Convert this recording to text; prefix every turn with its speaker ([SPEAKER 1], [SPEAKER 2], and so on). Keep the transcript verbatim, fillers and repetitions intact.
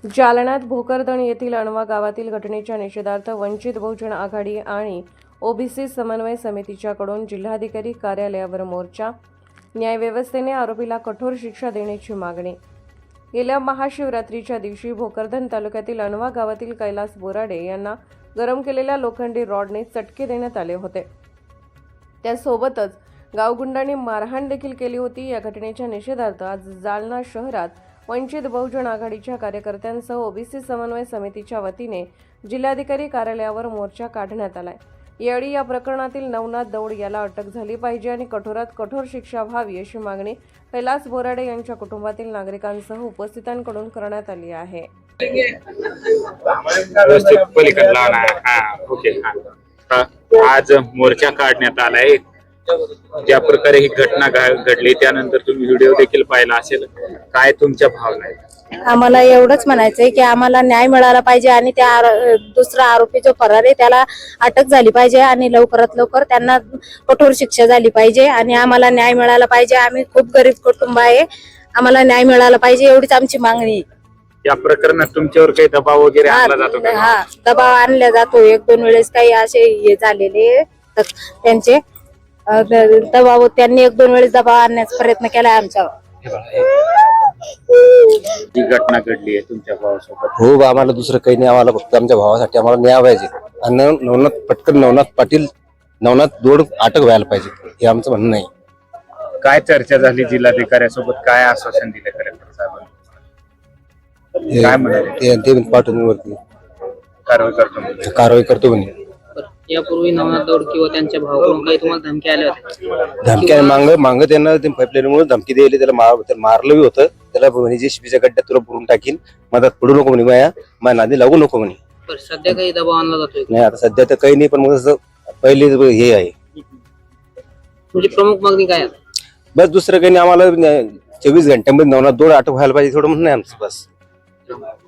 [SPEAKER 1] जालन्यात भोकरदन येथील अणवा गावातील घटनेच्या निषेधार्थ वंचित बहुजन आघाडी आणि ओबीसी समन्वय समितीच्याकडून जिल्हाधिकारी कार्यालयावर मोर्चा. न्यायव्यवस्थेने आरोपीला कठोर शिक्षा देण्याची मागणी. गेल्या महाशिवरात्रीच्या दिवशी भोकरदन तालुक्यातील अणवा गावातील कैलास बोराडे यांना गरम केलेल्या लोखंडी रॉडने चटके देण्यात आले होते. त्यासोबतच गावगुंडांनी मारहाण देखील केली होती. या घटनेच्या निषेधार्थ आज जालना शहरात वंचित बहुजन आघाडीच्या कार्यकर्त्यांसह ओबीसी समन्वय समितीच्या वतीने जिल्हाधिकारी कार्यालयावर मोर्चा काढण्यात आलाय. यावेळी या प्रकरणातील नवनाथ दौड याला अटक झाली पाहिजे आणि कठोरात कठोर शिक्षा व्हावी अशी मागणी कैलास बोराडे यांच्या कुटुंबातील नागरिकांसह उपस्थितांकडून करण्यात आली आहे.
[SPEAKER 2] आज मोर्चा काढण्यात आलाय. ज्या प्रकारे ही घटना घडली त्यानंतर तुम्ही व्हिडिओ देखील पाहिला असेल, काय तुमच्या भावना आहेत?
[SPEAKER 3] आम्हाला एवढंच म्हणायचंय की आम्हाला न्याय मिळाला पाहिजे आणि त्या दुसरा आरोपी जो फरार आहे त्याला अटक झाली पाहिजे आणि लवकरात लवकर त्यांना कठोर शिक्षा झाली पाहिजे आणि आम्हाला न्याय मिळाला पाहिजे. आम्ही खूप गरीब कुटुंब आहे, आम्हाला न्याय मिळाला पाहिजे एवढीच आमची मागणी.
[SPEAKER 2] या प्रकरणात तुमच्यावर काही दबाव वगैरे आणला जातो का?
[SPEAKER 3] हा, दबाव आणला जातो. एक दोन वेळेस काही असे हे झालेले त्यांचे दबाव, त्यांनी एक दोन वेळेस दबाव आणण्याचा प्रयत्न केला आमच्यावर.
[SPEAKER 2] ही घटना घडली आहे तुमच्या भावासोबत.
[SPEAKER 4] हो, आम्हाला दुसरं काही नाही. आम्हाला फक्त आमच्या भावासाठी आम्हाला न्याय पाहिजे आणि नवनाथ पटकन नवनाथ पाटील नवनाथ दोड अटक व्हायला पाहिजे, हे आमचं म्हणणं आहे.
[SPEAKER 2] काय चर्चा झाली जिल्हाधिकाऱ्यासोबत? काय आश्वासन दिले कलेक्टर साहेबांनी? काय म्हणाले?
[SPEAKER 4] ते पाठवून वरती
[SPEAKER 2] कारवाई करतो
[SPEAKER 4] कारवाई करतो म्हणे.
[SPEAKER 5] यापूर्वी नवनाथ दौड किंवा त्यांच्या भावाकडून काही तुम्हाला धमकी आल्या होत्या?
[SPEAKER 4] धमकी मांग मांग त्यांना ते पाईपलाईनमुळे धमकी दिली. त्याला मारलं बी होतं. त्याला म्हणे जे शिपीच्या गड्ड्यात तुला बुडून टाकीन, मधात पडू नको म्हणे, माया माझ्या नादी लागू नको म्हणे.
[SPEAKER 5] सध्या काही दबाव आणला जातोय?
[SPEAKER 4] नाही, आता सध्या तर काही नाही, पण मग असं पहिले हे आहे.
[SPEAKER 5] तुमची प्रमुख मागणी काय आहे?
[SPEAKER 4] बस दुसरं काही नाही. आम्हाला चोवीस घंट्यामध्ये नवनाथ दोड अटक व्हायला पाहिजे, थोडं म्हणणं आहे आमचं. बस.